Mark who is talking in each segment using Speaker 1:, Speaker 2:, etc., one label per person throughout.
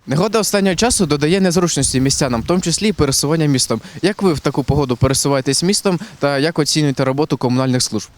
Speaker 1: Негода останнього часу додає незручності містянам, в тому числі і пересування містом. Як ви в таку погоду пересуваєтесь містом та як оцінюєте роботу комунальних служб?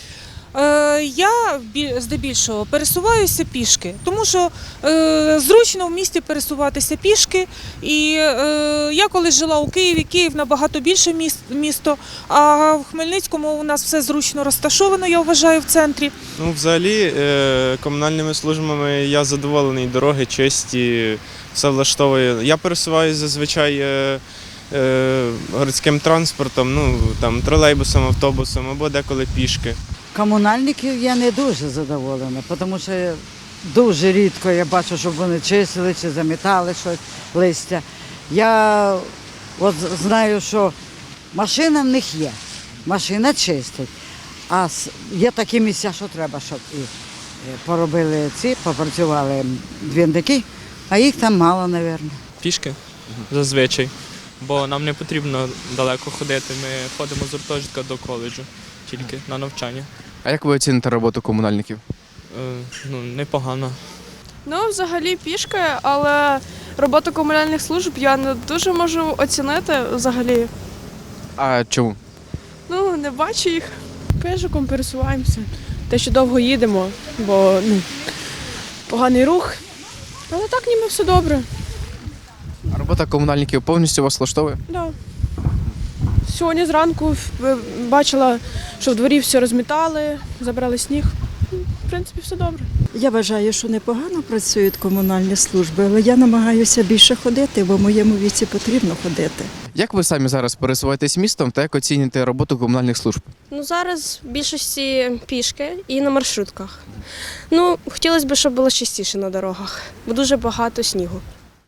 Speaker 2: Я здебільшого пересуваюся пішки, тому що зручно в місті пересуватися пішки. І я колись жила у Києві, Київ набагато більше місто, а в Хмельницькому у нас все зручно розташовано, я вважаю, в центрі.
Speaker 3: Ну, взагалі, комунальними службами я задоволений, дороги чисті, все влаштовує. Я пересуваюся зазвичай городським транспортом, ну, там, тролейбусом, автобусом або деколи пішки.
Speaker 4: Комунальників я не дуже задоволена, тому що дуже рідко я бачу, щоб вони чистили чи замітали щось, листя. Я от знаю, що машина в них є, машина чистить, а є такі місця, що треба, щоб і поробили попрацювали двірники, а їх там мало, мабуть.
Speaker 5: Пішки зазвичай, бо нам не потрібно далеко ходити. Ми ходимо з гуртожитка до коледжу, тільки на навчання.
Speaker 1: А як ви оціните роботу комунальників?
Speaker 5: Ну, непогано.
Speaker 6: Ну, взагалі пішки, але роботу комунальних служб я не дуже можу оцінити взагалі.
Speaker 1: А чому?
Speaker 6: Ну, не бачу їх.
Speaker 7: Пешиком пересуваємося. Те, що довго їдемо, бо поганий рух. Але так ніби все добре.
Speaker 1: А робота комунальників повністю вас влаштовує?
Speaker 7: Да. Сьогодні зранку бачила, що в дворі все розмітали, забрали сніг. В принципі, все добре.
Speaker 8: Я вважаю, що непогано працюють комунальні служби, але я намагаюся більше ходити, бо в моєму віці потрібно ходити.
Speaker 1: Як ви самі зараз пересуваєтесь містом та як оціните роботу комунальних служб?
Speaker 9: Ну, зараз в більшості пішки і на маршрутках. Ну, хотілося б, щоб було частіше на дорогах, бо дуже багато снігу.